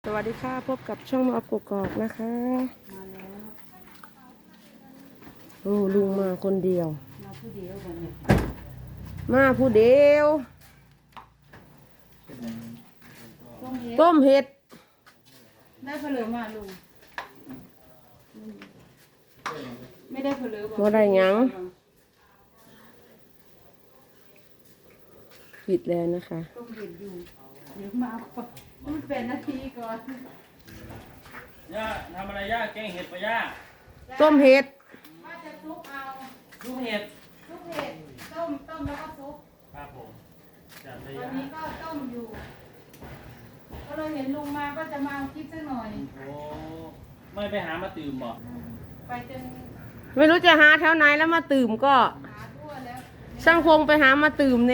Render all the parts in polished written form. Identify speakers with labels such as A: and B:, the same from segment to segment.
A: สวัสดีค่ะพบกับช่องมาอัพกกอกนะคะ
B: มาแล้ว
A: โอ้ลุงมาคนเดียว
B: มาผู้เดียวกันเนี่ย
A: มาผู้เดียวต้มเห็ด
B: ได้เผลอมาลุงไม่ได้เผลอ
A: บ่ได้หยังปิดแล้วนะคะ
B: ต้องเห็นอยู่เดี๋ยวมาเอาพูดเป็นนาทีก่อน
C: ย่าทำอะไรย่าแกงเห็ดปะย่า
A: ต้มเห็ด
B: ว่าจะซุปเอา
C: ลูกเห็ด
B: ซุปเห็ดต้มแล้วก็ซุป
C: ครับผมจัดเลย
B: วัน
C: ย่า
B: นี้ก็ต้มอยู่ ก็เลยเห็นลุงมาก็จะมาเอาคลิปสักหน่อย
C: โอ้ไม่ไปหามาตื่มบ่
B: ไปจน
A: ไม่รู้จะหาแถวไหนแล้วมาตื่มก็
B: หาทั่วแล้ว
A: ช่างพงไปหามาตื่มแน่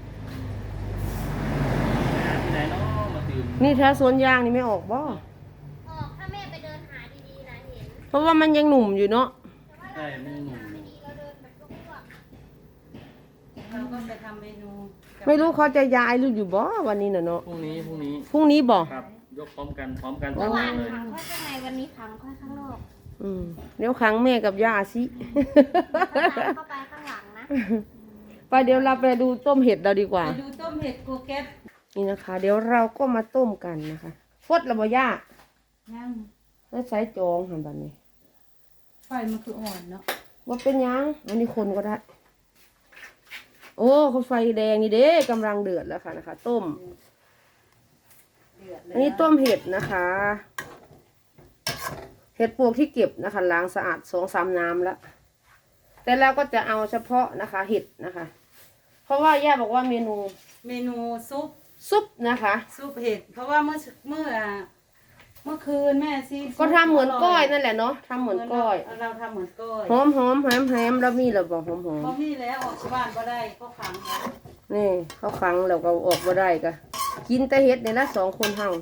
C: ไปหาที่ไหนเนาะมาตื่ม
A: นี่แถวสวนยางนี่ไม่ออกบ่
D: ออกถ้าแม่ไปเดินหาดีๆนะเห็น
A: เพราะว่ามันยังหนุ่มอยู่เนาะ
C: ใช่ไม่หนุ่ม
D: ไม่ดีเราเดินแบบลวก
B: เราก็จะทำเมนูกับ
A: ไม่รู้เขาจะย้ายหรืออยู่บ่วันนี้น่ะเนาะ
C: พรุ่งนี้
A: พรุ่งนี้บ่
C: ครับยกพร้อมกัน
D: ๆ
C: พร้
D: เมื่
C: อ
D: อ
C: ม
D: วาน
C: เลย
D: ขังค่อยข้างในวันนี้ขังค่อยข้างนอก
A: เดี๋ยวขังแม่กับย่าสิ
D: เข้าไปข้างหลังนะ
A: ไปเดี๋ยวเราไปดูต้มเห็ดเราดีกว่า
B: ไปดูต้มเห็ดโกเก็ต
A: นี่นะคะ เดี๋ยวเราก็มาต้มกันนะคะฟดระบยาก
B: ย่าง
A: แล้วใช้จองหันแบบนี้
B: ไฟมันคืออ่อนเนาะ
A: ว่าเป็นหยังอันนี้คนก็ได้ โอ้เขาไฟแดงนี่เด้กำลังเดือดแล้วค่ะนะคะ ต้ม
B: เดือดเลย
A: อันนี้ต้มเห็ดนะคะ เห็ดปวกที่เก็บนะคะล้างสะอาด2-3น้ำแล้วแต่เราก็จะเอาเฉพาะนะคะ เห็ดนะคะ เพราะว่าย่าบอกว่าเมนู
B: เมนูซุป
A: ซุปนะคะ
B: ซุปเห็ดเพราะว่าเมื่อคืนแม่ซี
A: ก็ทำเหมือนก้อยนั่นแหละเนาะทำเหมือนก้อย
B: เราทำเหมือนก้อย
A: หอมหอมแฮมแฮมแล้วมีระบอกหอมหอม
B: เพราะนี่แล้วออกจากบ้านก็ได้ก็ขังแล้ว
A: นี่เขาขังแล้วก็ออกมาได้ก็กินแต่เห็ดเนี่ยละ2 คนเฮา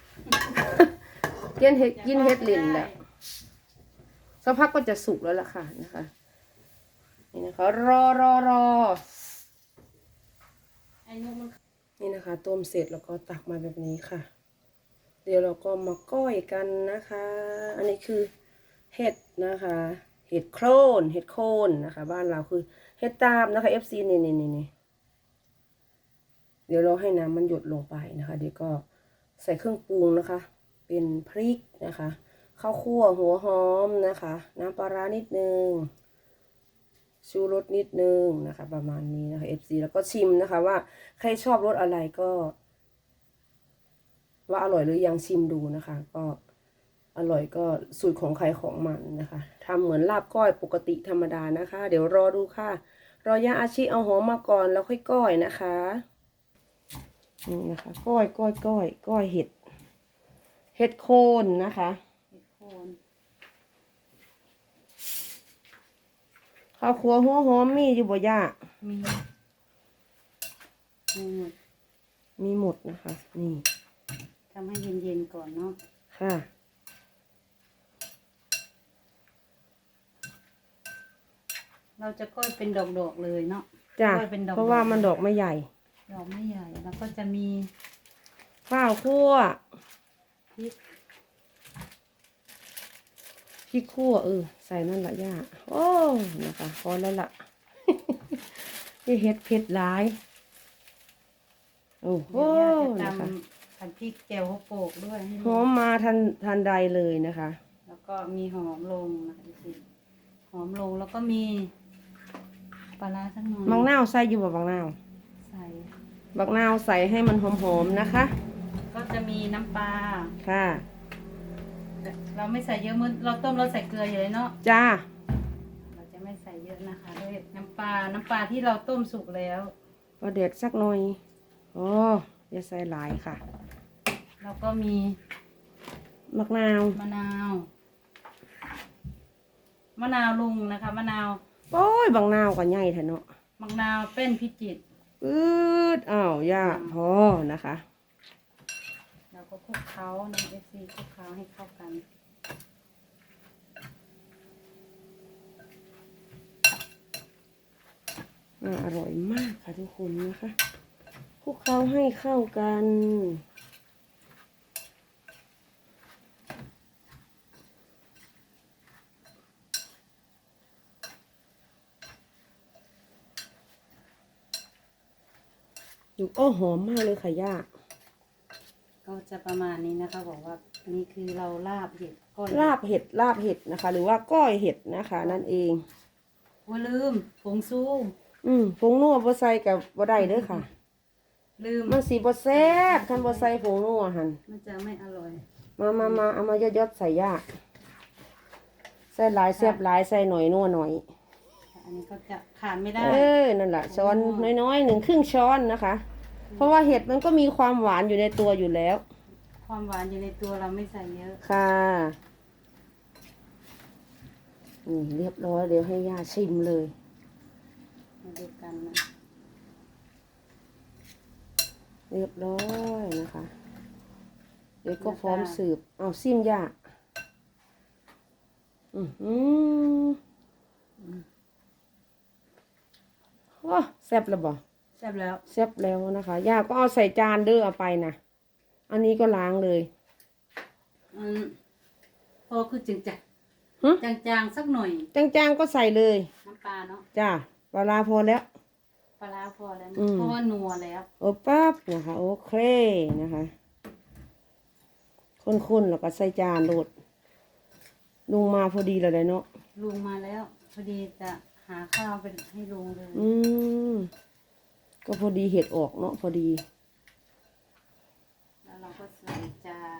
A: กินเห็ดเล่นแหละสักพักก็จะสุกแล้วล่ะค่ะนะคะนี่นะคะรอ
B: ไอ้นุ่มมัน
A: นี่นะคะ ต้มเสร็จแล้วก็ตักมาแบบนี้ค่ะ เดี๋ยวเราก็มาก้อยกันนะคะ อันนี้คือเห็ดนะคะ เห็ดโคนนะคะ บ้านเราคือเห็ดตาบนะคะ FC นี่เดี๋ยวเราให้น้ำมันหยดลงไปนะคะ เดี๋ยวก็ใส่เครื่องปรุงนะคะ เป็นพริกนะคะข้าวคั่วหัวหอมนะคะ น้ำปลาร้านิดนึงชูรสนิดนึงนะคะ ประมาณนี้นะคะ FC แล้วก็ชิมนะคะ ว่าใครชอบรสอะไรก็ ว่าอร่อยหรือยังชิมดูนะคะ ก็อร่อยก็สูตรของใครของมันนะคะทำเหมือนลาบก้อยปกติธรรมดานะคะ เดี๋ยวรอดูค่ะ รอย่าอาชีเอาหอมมาก่อนแล้วค่อยก้อยนะคะนี่นะคะก้อยเห็ดโคนนะคะ
B: เห็ดโคน
A: ข้าวคั่วหัวหอมมีอยู่บ่ย่า
B: มีหมด
A: มีหมดนะคะ นี่
B: ทำให้เย็นๆก่อนเนาะ
A: ค่ะ
B: เราจะก้อยเป็นดอกๆเลยเนาะ
A: จ้ะ
B: ก้อยเป็นดอกๆ
A: เพราะว่ามันดอกไม่ใหญ่
B: ดอกไม่ใหญ่แล้วก็จะมี
A: ข้าวคั่ว
B: พริก
A: พริกคั่วใส่นั่นละย่าโอ้นะคะพอแล้วล่ะ นี่เห็ดเผ็ดหลายโอ้โห
B: เดี๋ยวย่าจะ
A: นะคะ
B: ทำพริกแจ่วหัวโปกด้วยให้
A: หอมมาทันใดเลยนะคะ
B: แล้วก็มีหอมลงนะคะสิหอมลงแล้วก็มีปลาร้าสักหน่อย
A: บางนาวใส่อยู่บ่บางนาว
B: ใส่
A: บางนาวใส่ให้มันหอมๆนะคะ
B: ก็จะมีน้ำปลา
A: ค่ะ
B: แต่เราไม่ใส่เยอะเมื่อเราต้มเราใส่เกลืออยู่เลยเนาะ
A: จ้า
B: เราจะไม่ใส่เยอะนะคะด้วยน้ำปลาที่เราต้มสุกแล้ว
A: ก็เด็ดสักหน่อยโอ้อย่าใส่หลายค่ะ
B: แล้วก็มี
A: มะนาว
B: มะนาวลุงนะคะมะนาว
A: โอ้ยบางนาวก็ใหญ่แท้เนาะ
B: มะนาวเป็นพิจิตร
A: อ้าวย่าพอนะคะ
B: แล้วก็คลุกเคล้าน้ำเอฟซีคลุกเคล้าให้เข้ากัน
A: อร่อยมากค่ะทุกคนนะคะคลุกเคล้าให้เข้ากันดูโอ้หอมมากเลยค่ะย่า
B: ก็จะประมาณนี้นะคะบอกว่าอันนี้คือเราลาบเห็ดก้อย
A: ลาบเห็ดนะคะ หรือว่าก้อยเห็ดนะคะ นั่นเอง
B: ว่าลืมผงซู
A: ผงนัวบ่ใส่กับบ่ได้เด้อค่ะ
B: ลืม
A: มันสีบ่แซ่บคันบ่ใส่ผงนัวหั่น
B: มันจะไม่อร่อย
A: มาเอามายอดๆใส่ย่าใส่หลายแซ่บหลายใส่หน่อยนัวหน่อย
B: อันนี้ก็จะขาดไม่ได้
A: นั่นแหละช้อนน้อยๆ1 ครึ่งช้อนนะคะ เพราะว่าเห็ดมันก็มีความหวานอยู่ในตัวอยู่แล้ว
B: ความหวานอยู่ในตัวเราไม่ใส่เยอะ
A: ค่ะนี่เรียบร้อยเดี๋ยวให้ย่าชิมเลย
B: มาดูกันนะ
A: เรียบร้อยนะคะ เดี๋ยวก็พร้อมสืบเอาซิมย่าโอ้แซ่บแล้วบ่
B: แซ่บแล้ว
A: แซ่บแล้วนะคะย่าก็เอาใส่จานเด้อเอาไปนะอันนี้ก็ล้างเลย
B: พอคือจึงจะ
A: ฮะ
B: จางๆสักหน่อย
A: จางๆก็ใส่เลย
B: น้ำปลาเนาะ
A: จ้าปลาร้าพอแล้ว
B: ปลาร้าพอแล้ว
A: อืม
B: เพราะว่านัวแล้ว
A: โอ้ปั๊บนะคะโอเคนะคะข้นๆแล้วก็ใส่จานโหลดลุงมาพอดีเลยเนาะ
B: ลุงมาแล้วพอดีจะหาข้าวไปให้ลุงเลย
A: ก็พอดีเห็ดออกเนาะพอดี
B: แล้วเราก็ใส่จาน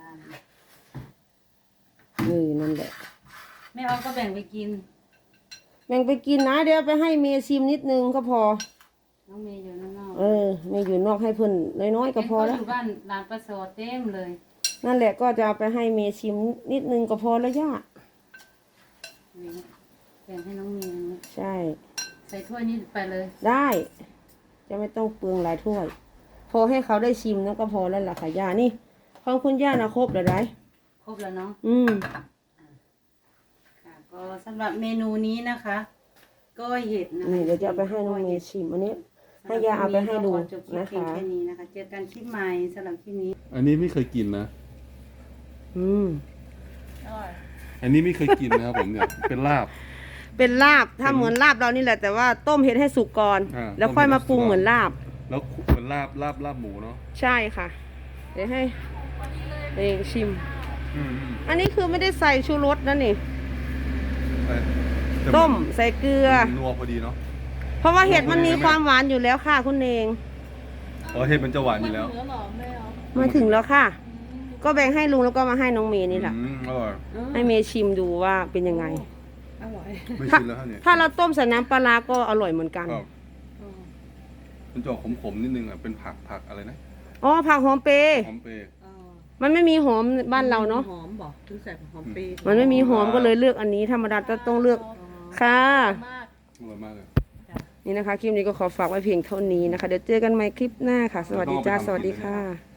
A: นั่นแหละ
B: แม่ออฟก็แบ่งไปกิน
A: แบ่งไปกินนะเดี๋ยวไปให้เมย์ชิมนิดนึงก็พอ
B: น้องเมย์อยู่ข้างนอก
A: เมย์อยู่นอกให้เพิ่นน้อยๆก็พอแล้ว
B: เห็นเขาอยู่บ้านร้านปลาโซเต็มเลย
A: นั่นแหละก็จะเอาไปให้เมย์ชิมนิดนึงก็พอแล้วย่า
B: นี่แบ่งให้น้องเมย์นะ
A: ใช่
B: ใส่ถ้วยนี้ไปเลย
A: ได้ จะไม่ต้องเปลืองหลายถ้วย พอให้เขาได้ชิมนั่นก็พอแล้วล่ะค่ะย่านี่ของคุณย่านะครบแล้วได้
B: ครบแล้วเนาะ
A: อืม
B: ค่ะก็สำหรับเมนูนี้นะคะก้อยเห็ดนะคะ
A: นี่เดี๋ยวจะเอาไปให้น้องเมย์ชิมอันนี้ ให้ย่าเอาไปให้ดู
B: ขอจบคลิป
A: นะ
B: เพียง
A: คะ
B: แค่นี้นะคะ เจอกันคลิปใหม่สำหรับคลิปนี้
E: อันนี้ไม่เคยกินนะ
A: อืม
E: อันนี้ไม่เคยกินนะครับผมเนี่ย เป็นลาบ
A: เป็นลาบถ้าเหมือนลาบเรานี่แหละแต่ว่าต้มเห็ดให้สุกก่อน
E: อ่า
A: แล้วค่อยมาปรุง
E: ต้มเห็ดให้สุก
A: เหมือนลาบ
E: แล้วเป็นลาบหมูเนาะ
A: ใช่ค่ะ เดี๋ยวให้เองชิม
E: อืม
A: อันนี้คือไม่ได้ใส่ชูรสนะนี่
E: แต่
A: ต้มใส่เกลือ
E: มันนัวพอดีเนาะ
A: เพราะว่าเห็ดมันมีความหวานอยู่แล้วค่ะคุณเอง
E: เห็ดมันจะหวานอยู่แล้ว
A: มาถึงแล้วค่ะ ก็แบ่งให้ลุงแล้วก็มาให้น้องเมย์นี่แหละ
E: อร่อย
A: ให้เมย์ชิมดูว่าเป็นยังไง
E: ไม่ชินแล้วฮะเนี่ย
A: ถ้าเราต้มใส่น้ำปลาร้าก็อร่อยเหมือนกัน
E: ครับมันจะออกขมๆนิดนึงอ่ะ เป็นผักอะไรนะ
A: อ๋อผักหอมเปรย์
E: หอมเปรย์
A: มันไม่มีหอมบ้านเราเนาะ
B: หอมบอกถึงใส่หอมปี
A: มันไม่มีหอมก็เลยเลือกอันนี้ธรรมดาจะต้องเลือกค่ะ
E: อร่อยมากเลย
A: นี่นะคะคลิปนี้ก็ขอฝากไว้เพียงเท่านี้นะคะ เดี๋ยวเจอกันใหม่คลิปหน้าค่ะ สวัสดีจ้า สวัสดีค่ะ